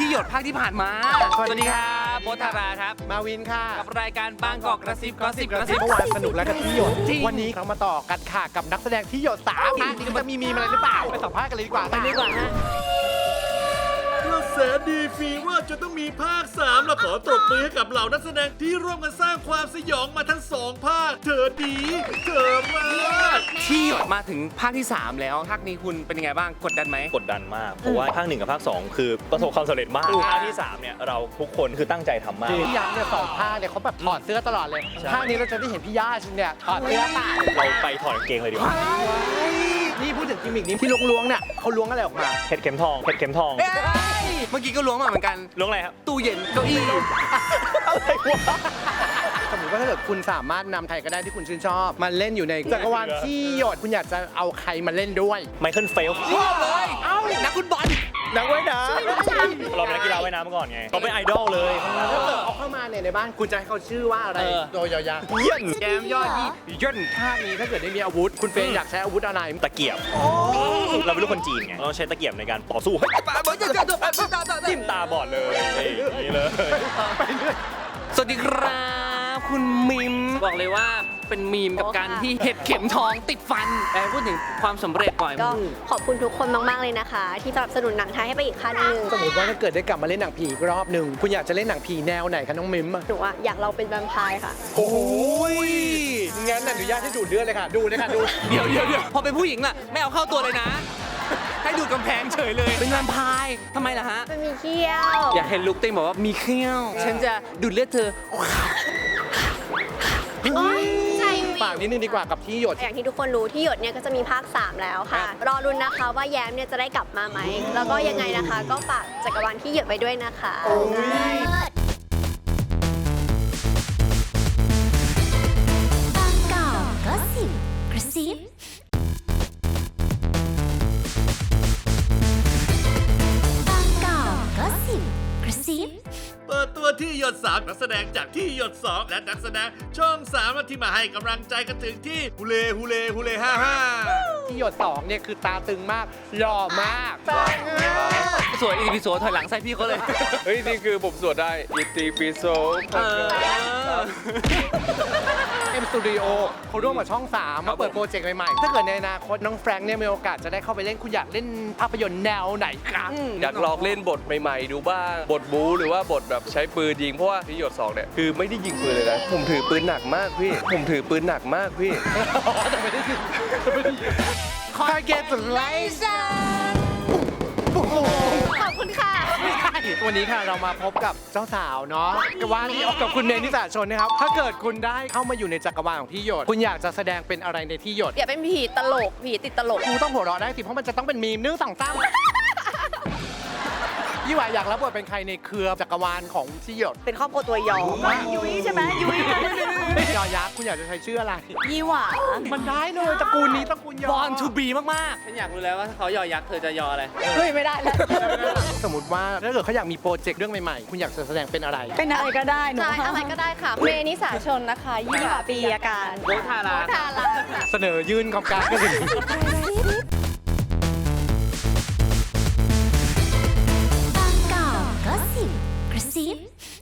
ที่หยดภาคที่ผ่านมาสวัสดีครับโบ๊ทธาราครับมาวินค่ะกับรายการบางกอกกระซิบกระซิบกระซิบเมื่อวานสนุกแล้วกับที่หยดวันนี้เรามาต่อกันค่ะกับนักแสดงที่หยด3นี่จะมีอะไรหรือเปล่าไปสัมภาษณ์กันเลยดีกว่าไปดีกว่าฮะกระแสดีฟีว่าจะต้องมีภาค 3เราขอตบมือให้กับเหล่านักแสดงที่ร่วมกันสร้างความสยองมาทั้ง2ภาคเธอดีเธอมากที่หยดมาถึงภาคที่3แล้วภาคนี้คุณเป็นยังไงบ้างกดดันไหมกดดันมากเพราะว่าภาค1กับภาค2คือประสบความสำเร็จมากภาคที่3เนี่ยเราทุกคนคือตั้งใจทำมากพี่ยักษ์เนี่ย2ภาคเนี่ยเขาแบบถอดเสื้อตลอดเลยภาคนี้เราจะได้เห็นพี่ย่าชินเนี่ยถอดเสื้อตายเราไปถอดกางเกงเลยดีกว่านี่พูดถึงกิมมิกนี้ที่ล้วงเนี่ยเขาล้วงอะไรออกมาเพชรเข็มทองเพชรเข็มทองเมื่อกี้ก็ล้วงมาเหมือนกันล้วงอะไรครับตู้เย็นเก้าอี้อะไรวะสมมติว่าถ้าเกิดคุณสามารถนำใครก็ได้ที่คุณชื่นชอบมาเล่นอยู่ในจักรวาลที่หยดคุณอยากจะเอาใครมาเล่นด้วยไมเคิลเฟลชอบเลยเอ้านักฟุตบอลนักว่ายน้ำเราเป็นนักกีฬาว่ายน้ำมาก่อนไงเราเป็นไอดอลเลยเอาเข้ามาในบ้านคุณจะให้เขาชื่อว่าอะไรโดยยาวๆเยี่ยนแกมยอดเยี่ยนภาคนี้ถ้าเกิดได้มีอาวุธคุณเฟย์อยากใช้อาวุธอะไรตะเกียบเราเป็นลูกคนจีนไงเราใช้ตะเกียบในการต่อสู้จิ้มตาบอดเลยนี่เลยสวัสดีครับคุณมิมบอกเลยว่าเป็นมีมกับการที่เห็ดเข็มทองติดฟันพูดถึงความสำเร็จก่อนก็ขอบคุณทุกคนมากๆเลยนะคะที่สนับสนุนหนังไทยให้ไปอีกขั้นหนึ่งสมมติว่าถ้าเกิดได้กลับมาเล่นหนังผีอีกรอบหนึ่งคุณอยากจะเล่นหนังผีแนวไหนคะน้องมิมหนูอยากเราเป็นแวมไพร์ค่ะโอ้ยงั้นอนุญาตให้ดูดเลือดเลยค่ะดูเลยค่ะดูเดี๋ยวพอเป็นผู้หญิงล่ะไม่เอาเข้าตัวเลยนะให้ดูกำแพงเฉยเลยเป็นแวมไพร์ทำไมล่ะฮะมันมีเขี้ยวอยากเห็นลุคเต้บอกว่ามีเขี้ยวฉันจะดูดเลือดเธอฝากนิดนึงดีกว่ากับที่หยดอย่างที่ทุกคนรู้ที่หยดเนี่ยก็จะมีภาค3แล้วค่ะรอรุ้นนะคะว่าแย้มเนี่ยจะได้กลับมาไหมแล้วก็ยังไงนะคะก็ฝากจักรวาลที่หยดไว้ด้วยนะคะบางกอกก็สิบกระซิบางกอกก็สิบกระซิบเปิดตัวที่หยด3นักแสดงจากที่หยด2และนักแสดงช่อง3ที่มาให้กำลังใจกันถึงที่ฮูเล่55 ที่หยด2เนี่ยคือตาตึงมากหล่อมากสวยอีพีโซถอยหลังใส่พี่เขาเลยเฮ้ยนี่คือผมสวดได้อีตีปีโซเอ็มสตูดิโอเขาร่วมกับช่อง3มาเปิดโปรเจกต์ใหม่ๆถ้าเกิดในอนาคตน้องแฟรงค์เนี่ยมีโอกาสจะได้เข้าไปเล่นคุณอยากเล่นภาพยนตร์แนวไหนครับอยากลองเล่นบทใหม่ๆดูบ้างบทบู๊หรือว่าบทแบบใช้ปืนยิงเพราะว่าที่หยด2เนี่ยคือไม่ได้ยิงปืนเลยนะผมถือปืนหนักมากพี่แต่ไม่ได้ยิงคอยเก็ตไลซ่าขอบคุณค่ะวันนี้ค่ะเรามาพบกับเจ้าสาวเนาะกับว่ากับคุณเมนิสาชนนะครับถ้าเกิดคุณได้เข้ามาอยู่ในจักรวาลของที่หยดคุณอยากจะแสดงเป็นอะไรในที่หยดอยากเป็นผีตลกผีติดตลกกูต้องหัวเราะได้สิเพราะมันจะต้องเป็นมีม1 2 3ยี่หวาอยากรับบทเป็นใครในเครือจักรวาลของที่หยดเป็นครอบครัวตัวยอยุ้ยใช่ไหมยุ้ยยอยักษ์คุณอยากจะใช้ชื่ออะไรยี่หวามันได้เลยตระกูลนี้ตระกูลยอ Born to be มากๆฉันอยากรู้แล้วว่าเขายอยักษ์เธอจะยออะไรเฮ้ยไม่ได้แล้วสมมติว่าถ้าเกิดเขาอยากมีโปรเจกต์เรื่องใหม่ๆคุณอยากจะแสดงเป็นอะไรเป็นอะไรก็ได้หนูอะไรก็ได้ค่ะเมนิสาชนนะคะยี่หวาปีอาการโบทาราเสนอยื่นคำการก็ถึงบางกอกก็สิบกระซิบ